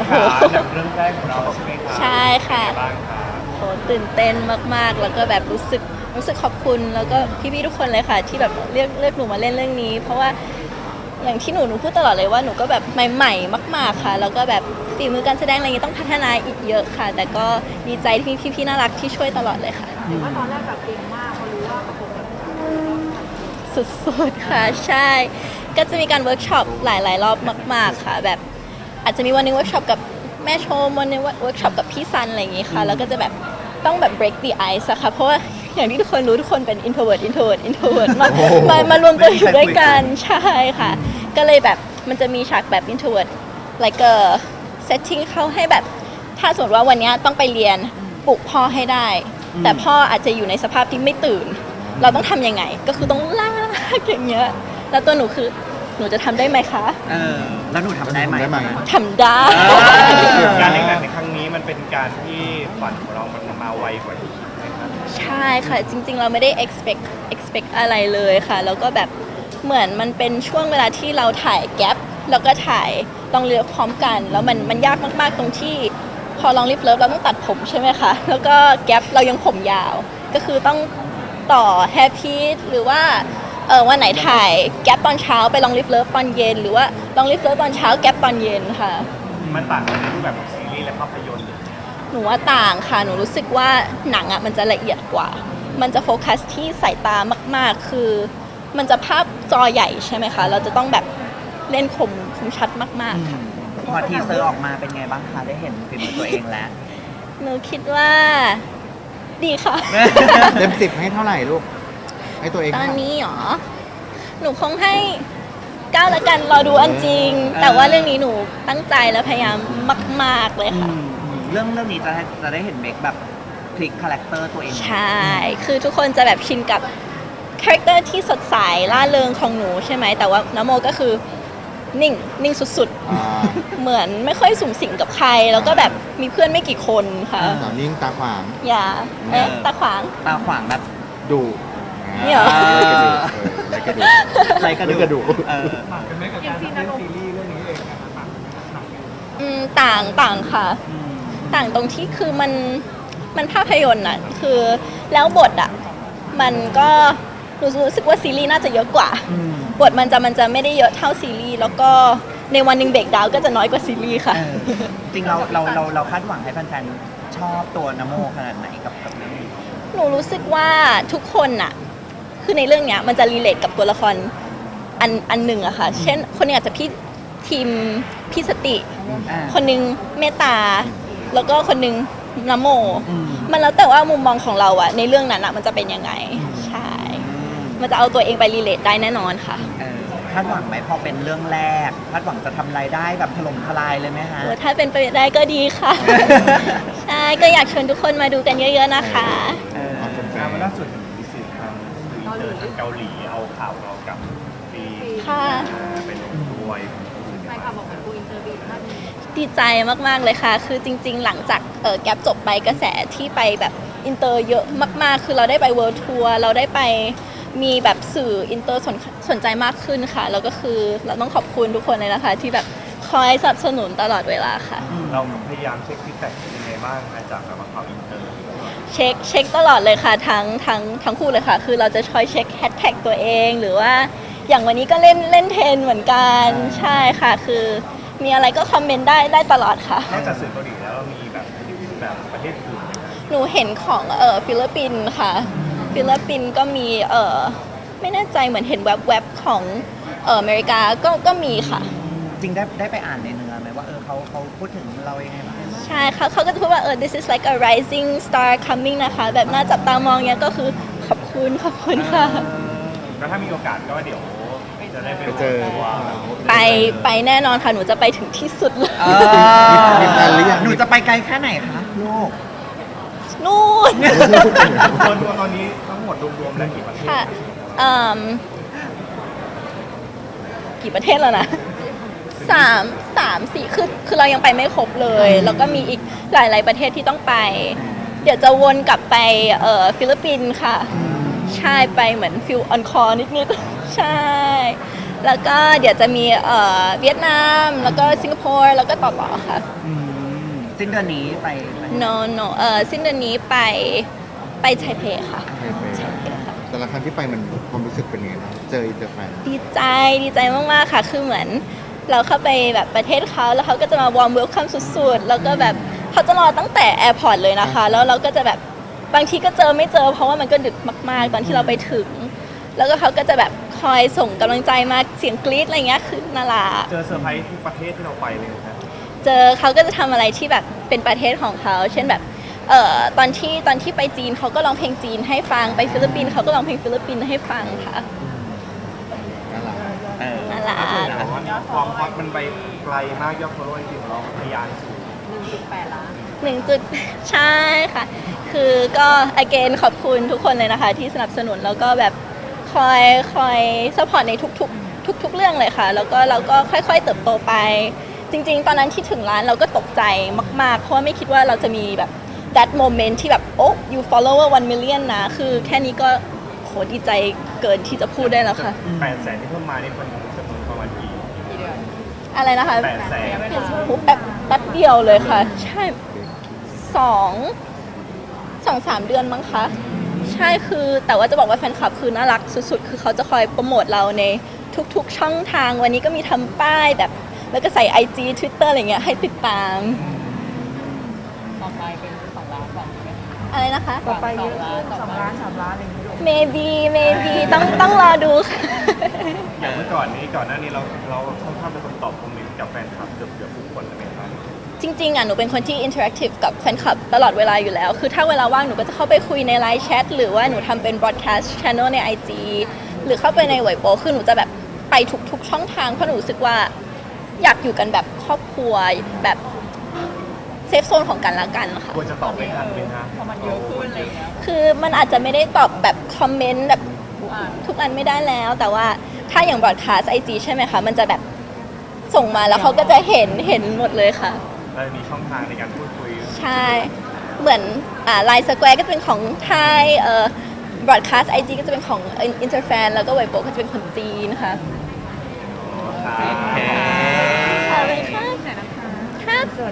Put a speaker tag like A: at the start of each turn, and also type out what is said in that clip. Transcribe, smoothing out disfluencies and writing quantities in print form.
A: ค่ะหนังเรื่องแรกของเราใช่ไหมคะ
B: ใช่ค่ะ
A: เป็นไงบ้างคะ
B: โหตื่นเต้นมากๆ แล้วก็แบบรู้สึกขอบคุณแล้วก็พี่ๆทุกคนเลยค่ะที่แบบเลือกหนูมาเล่นเรื่องนี้ เพราะว่าอย่างที่หนูพูดตลอดเลยว่าหนูก็แบบใหม่ๆมากๆค่ะแล้วก็แบบฝีมือการแสดงอะไรเงี้ยต้องพัฒนาอีกเยอะค่ะ แต่ก็ดีใจที่พี่ๆน่ารักที่ช่วยตลอดเลยค่ะ
C: เห็นว่าตอนแรกแบบเก่งมากพอรู้ว่าประกบกับ
B: สุดๆค่ะใช่ ก็จะมีการเวิร์กช็อปหลายๆรอบมากๆค่ะแบบอาจจะมีวันหนึงเวิร์กช็อปกับแม่ชมวันหนึงเวิร์กช็อปกับพี่ซันอะไรอย่างงี้ค่ะแล้วก็จะแบบต้องแบบ break the ice อะค่ะเพราะว่าอย่างที่ทุกคนรู้ทุกคนเป็น introvert มารวมตัวอยู่ด้วยกันใช่ค่ะ ก็เลยแบบมันจะมีฉากแบบ introvert like a setting เข้าให้แบบถ้าสมมติว่าวันนี้ต้องไปเรียนปลุกพ่อให้ได้ แต่พ่ออาจจะอยู่ในสภาพที่ไม่ตื่น เราต้องทำยังไงก็คือต้องลากอย่างเงี้ยแล้วตัวหนูคือหนูจะทำได้ไหมคะ
D: แล้วหนูทำได้ไหม
B: ทำได้
A: การเล่นหนังในครั้งนี้มันเป็นการที่ฝันของเรามันมาไวกว่าที่คิดไหมครับ
B: ใช่ค่ะจริงๆเราไม่ได้ expect อะไรเลยค่ะแล้วก็แบบเหมือนมันเป็นช่วงเวลาที่เราถ่ายแก p แล้วก็ถ่ายต้องเลือกพร้อมกัน แล้วมันยากมากๆตรงที่พอลองลิฟเลิฟเราต้องตัดผมใช่ไหมคะแล้วก็แก p เรายังผมยาว ก็คือต้องต่อแฮปปี้หรือว่าวันไหนถ่ายแก p ตอนเช้าไปลองลิฟเลิฟตอนเย็น หรือว่าลองลิฟเลิฟตอนเช้าแก p ตอนเย็นค่ะ
A: มันต่างกันในรูปแบบของซีรีส์และภาพยนตร์
B: หนูว่าต่างค่ะ หนูรู้สึกว่าหนังอ่ะมันจะละเอียดกว่า มันจะโฟกัสที่สายตามากๆ คือมันจะภาพจอใหญ่ใช่ไหมคะ เราจะต้องแบบเล่นคมชัดมากๆค่ะ
D: พอทีเซอร์ออกมาเป็นไงบ้างคะได้เห็นฝีมือตัวเองแล้ว
B: หนูคิดว่าดีค่ะ
E: เต็ม10ให้เท่าไหร่ลูก ให้ตัวเอง
B: ตอน
E: เท่าไหร่
B: นี้หรอ หนูคงให้9ละกันรอดูอันจริง แต่ว่าเรื่องนี้หนูตั้งใจและพยายามมาก ๆ เลยค่ะ
D: เรื่องนี้จะได้เห็นเมคแบบพลิกคาแรคเตอร์ตัวเอง
B: ใช่ คือทุกคนจะแบบชินกับคาแรคเตอร์ที่สดใสล่าเริงของหนูใช่ไหม แต่ว่านโมก็คือนิ่งสุด
E: อ่า
B: ๆ เหมือนไม่ค่อยสูงสิงกับใคร แล้วก็แบบมีเพื่อนไม่กี่คนค่ะ
E: สาวนิ่งตาขวาง
B: อย่าตาขวาง
D: ตาขวางแบบ
E: ดุ
B: นี่เหรอ
E: ไรกระดูก
D: ไรกระดู
E: กระดูก
C: อย่างซีนอารมณ์
B: ต่างค่ะ ต่างตรงที่คือมันภาพยนตร์น่ะคือแล้วบทอ่ะมันก็รู้สึกว่าซีรีส์น่าจะเยอะกว่า บทมันจะไม่ได้เยอะเท่าซีรีส์แล้วก็ในวันหนึ่งเบรกดาวน์ก็จะน้อยกว่าซีรีส์ค่ะ
D: จริงเราคาดหวังให้แฟนๆชอบตัวนโมขนาดไหนกับเรื่องนี้
B: หนูรู้สึกว่าทุกคนน่ะคือในเรื่องเนี้ยมันจะรีเลทกับตัวละครอันหนึ่งอะค่ะ เช่นคนหนึงอาจจะทีมพี่สติ คนหนึงเมตตา แล้วก็คนหนึงนโม มันแล้วแต่ว่ามุมมองของเราอะในเรื่องนั้นอะมันจะเป็นยังไง ใช่ มันจะเอาตัวเองไปรีเลทได้แน่นอนค่ะ
D: คาดหวังไหมพอเป็นเรื่องแรกคาดหวังจะทำรายได้แบบถล่มทลายเลยไหมฮะ
B: ถ้าเป็นไปได้ก็ดีค่ะ ใช่ ก็อยากชวนทุกคนมาดูกันเยอะๆนะคะ
E: เอาเป็นแฟ
A: งาน
E: น
A: วันล่าสุดมีสื่อทางสื่ออินเตอร์ทางเกาหลีเอาข่าวเรากับฟี
B: ค่ะ
A: ไปลงด้วย
C: แฟนคลับบอกเหมือนกูอินเตอร์บีมาก
B: ดีใจมากๆเลยค่ะ คือจริงๆ หลังจากแกปจบไปกระแสที่ไปแบบอินเตอร์เยอะมากๆ คือเราได้ไปเวิลด์ทัวร์ เราได้ไปมีแบบสื่ออินเตอร์สนใจมากขึ้นค่ะ แล้วก็คือเราต้องขอบคุณทุกคนเลยนะคะ ที่แบบคอยสนับสนุนตลอดเวลาค่ะ
A: เราพยายามเช็คฟีดแบ็กยังไงบ้างจากแบบข่าวอินเตอร์
B: เช็คตลอดเลยค่ะทั้งคู่เลยค่ะ คือเราจะคอยเช็คแฮชแท็กตัวเอง หรือว่าอย่างวันนี้ก็เล่นเทรนเหมือนกันใช่ค่ะ คือมีอะไรก็คอมเมนต์ได้ตลอดค่ะ
A: นอกจากสื่อเกาหลีแล้วเรามีแบบประเทศอื่นไหมครับ
B: หนูเห็นของฟิลิปปินส์ค่ะ ฟิลิปปินส์ก็มีไม่แน่ใจเหมือนเห็นแวบๆของอเมริกาก็มีค่ะ
D: จริงได้ไปอ่านในเนื้อไหมว่าเขาพูดถึงเรายังไงบ้าง
B: ใช่ค่ะเขาก็จะพูดว่าthis is like a rising star coming นะคะ แบบน่าจับตามองเนี้ยก็คือขอบคุณค่ะ
A: ก็ถ้ามีโอกาสก็เดี๋ยวจะได้ไป
E: ไปเจอ
A: ตัว
B: ไปแน่นอนค่ะ หนูจะไปถึงที่สุดเลย
E: มีแฟนหรือยัง
D: หนูจะไปไกลแค่ไหนคะลูก
B: นู่น
A: ตัวตอนนี้ทั้งหมดรวมๆแล้วกี่ประเทศ
B: ค่ะกี่ประเทศแล้วนะ3-4คือเรายังไปไม่ครบเลย แล้วก็มีอีกหลายๆประเทศที่ต้องไป เดี๋ยวจะวนกลับไปฟิลิปปินส์ค่ะ ใช่ไปเหมือนฟิลออนคอร์นิดๆ ใช่แล้วก็เดี๋ยวจะมีเวียดนามแล้วก็สิงคโปร์แล้วก็ต่อค่ะ
D: สิ้นเดือนนี้ไป
B: no no สิ้นเดือนนี้ไปไทเปค่ะ
E: ไปแต่ละครั้งที่ไปมันความรู้สึกเป็นยังไงบ้างเจออินเตอร์แฟน
B: ดีใจมากๆค่ะ คือเหมือนเราเข้าไปแบบประเทศเขาแล้วเขาก็จะมาวอร์มเวลคัมสุดๆ แล้วก็แบบเขาจะรอตั้งแต่แอร์พอร์ตเลยนะคะ แล้วเราก็จะแบบบางทีก็เจอไม่เจอ เพราะว่ามันก็ดึกมากๆ ตอนที่เราไปถึง แล้วก็เขาก็จะแบบคอยส่งกำลังใจมาเสียงกรี๊ดอะไรเงี้ยคือน่ารัก
A: เจอเซอร์ไพรส์ทุกประเทศที่เราไปเลยนะ
B: เจอเขาก็จะทำอะไรที่แบบเป็นประเทศของเขา เช่นแบบตอนที่ไปจีนเขาก็ร้องเพลงจีนให้ฟัง ไปฟิลิปปินส์เขาก็ร้องเพลงฟิลิปปินส์ให้ฟังค่ะ
E: น่ารัก
B: น่ารัก
A: แต่ว่าความฮอตมันไปไกลมากยอดฟอลโล่จริงๆของเราทะยานสูง
C: 1.8 ล้าน
B: ใช่ค่ะ คือก็ again ขอบคุณทุกคนเลยนะคะ ที่สนับสนุนแล้วก็แบบคอยซัพพอร์ตในทุกเรื่องเลยค่ะ แล้วก็เราก็ค่อยๆเติบโตไป จริงๆ ตอนนั้นที่ถึงร้านเราก็ตกใจมากๆ เพราะว่าไม่คิดว่าเราจะมีแบบ that moment ที่แบบโอ้ you follower 1 million นะ คือแค่นี้ก็โหดีใจเกินที่จะพูดได้แล้วค่ะ
A: 800,000ที่เพิ่มมานี่มันจำนวนประมาณกี่
C: กี่เดือน
B: อะไรนะคะ
A: 800,000
B: โหแป๊บเดียวเลยค่ะ ใช่สองสามเดือนมั้งคะ ใช่คือแต่ว่าจะบอกว่าแฟนคลับคือน่ารักสุดๆ คือเขาจะคอยโปรโมทเราในทุกๆช่องทางวันนี้ก็มีทำป้ายแบบ แล้วก็ใส่ IG Twitter อะไรเงี้ยให้ติดตาม
C: ต่อไปเป็น2 ล้าน2ไหม
B: อะไรนะคะ
C: ต่อไปเยอะ2 ล้าน 3 ล้านอะไรอย่างเงี้ย
B: maybe ต้องรอดูค่ะ
A: อย่างเมื่อก่อนหน้านี้เราค่อนข้างเป็นคนตอบคอมเมนต์กับแฟนคลับเกือบทุกคนเลยไหมครับ
B: จริงๆอ่ะหนูเป็นคนที่ interactive กับแฟนคลับตลอดเวลาอยู่แล้ว คือถ้าเวลาว่างหนูก็จะเข้าไปคุยในไลน์แชทหรือว่าหนูทำเป็น broadcast channel ใน IG หรือเข้าไปในเว็บโปคือหนูจะแบบไปทุกช่องทางเพราะหนูรู้สึกว่าอยากอยู่กันแบบครอบครัวแบบเซฟโซนของกันและกันค่ะ
A: ควรจะตอบไม่ทันไหมคะ
C: พอมันเยอะขึ้นอะไรอย่างเงี้ย
B: คือมันอาจจะไม่ได้ตอบแบบคอมเมนต์แบบ
C: อ่าน
B: ทุกอันไม่ได้แล้ว แต่ว่าถ้าอย่าง broadcast IG ใช่ไหมคะ มันจะแบบส่งมาแล้วเขาก็จะเห็นหมดเลยค่ะ
A: เรามีช่องทางในการพูดคุย
B: ใช่ เหมือนไลน์สแควร์ก็จะเป็นของไทยbroadcast IG ก็จะเป็นของ Interfan แล้วก็ไวโบก็จะเป็นคนจีนนะคะ
A: ครับ